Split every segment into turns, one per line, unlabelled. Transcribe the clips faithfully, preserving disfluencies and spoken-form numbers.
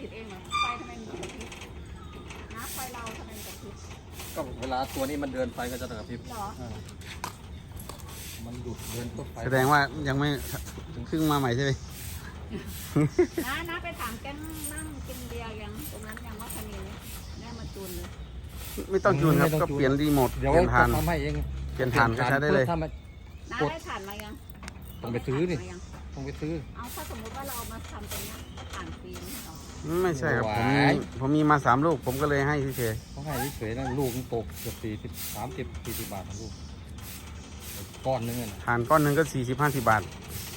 ติดเองเหรอไฟทำไมมันกระพริบนะไฟเราทำไมมันกระพริบ
ก็เวลาตัวนี้มันเดินไฟก็จะกระพริบ
เหรอ
มันหยุดเดินปุ๊บไฟ
แสดงว่ายังไม่เพิ่งมาใหม่ใช่ไหม
นะนะไปถามแกนั่งกินเบียร์ยังตรงนั้นยังว่าคณีนี้ได้มาจูนเลย
ไม่ต้องจูนครับก็เปลี่ยนรีโมทเป
เดี๋ยว
ลี่ยนฐาน
ทำให้เอง
เปลี่ยนฐานก็ใช้ได้เลย
ถ้ามัน
น้าก
ด
ได้ถ่านมายัง
ต้องไปซื้อดิ
ด้ถ่านมายัง
ต้องไปซื้อ
เอาถ้าสมมติว่าเราเอามาทำตรงเนี้ยก็ถ่านฟรีไม่หรอ
ไม่ใช่ครับ
ห
ผม
วา
มี
ย
ผมมีมาสามลูกผมก็เลยให้เฉย
เขาให้เฉยๆนะลูกมันตกเกือบสี่สิบสามสิบสี่สิบบาททั้งลูกก้อนนึงอะนะ
ๆฐานก้อนหนึ่งก็สี่สิบห้าสิบบาท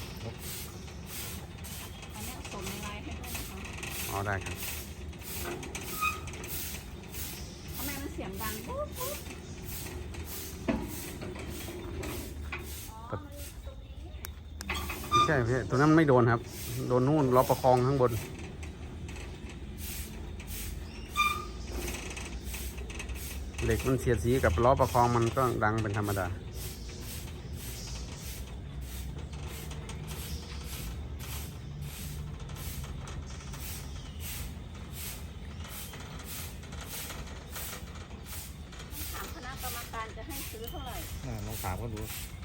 อันเนี้ยส่งในไลน์ให้ด้วยนะคะ
อ๋อได้ครับ
ทำไมมันเสียงดังปุ๊บปุ๊บอ๋อมันตรงนี้
ไม่ใช่พี่ตัวนั้นไม่โดนครับ โดนนู่นล้อประคองข้างบนเหล็กมันเสียดสีกับล้อประคองมันก็ดังเป็นธรรมดา
ถามคณะกรรมการจะให้ซื้อเท่าไหร่
อ่าลองถามเขาดู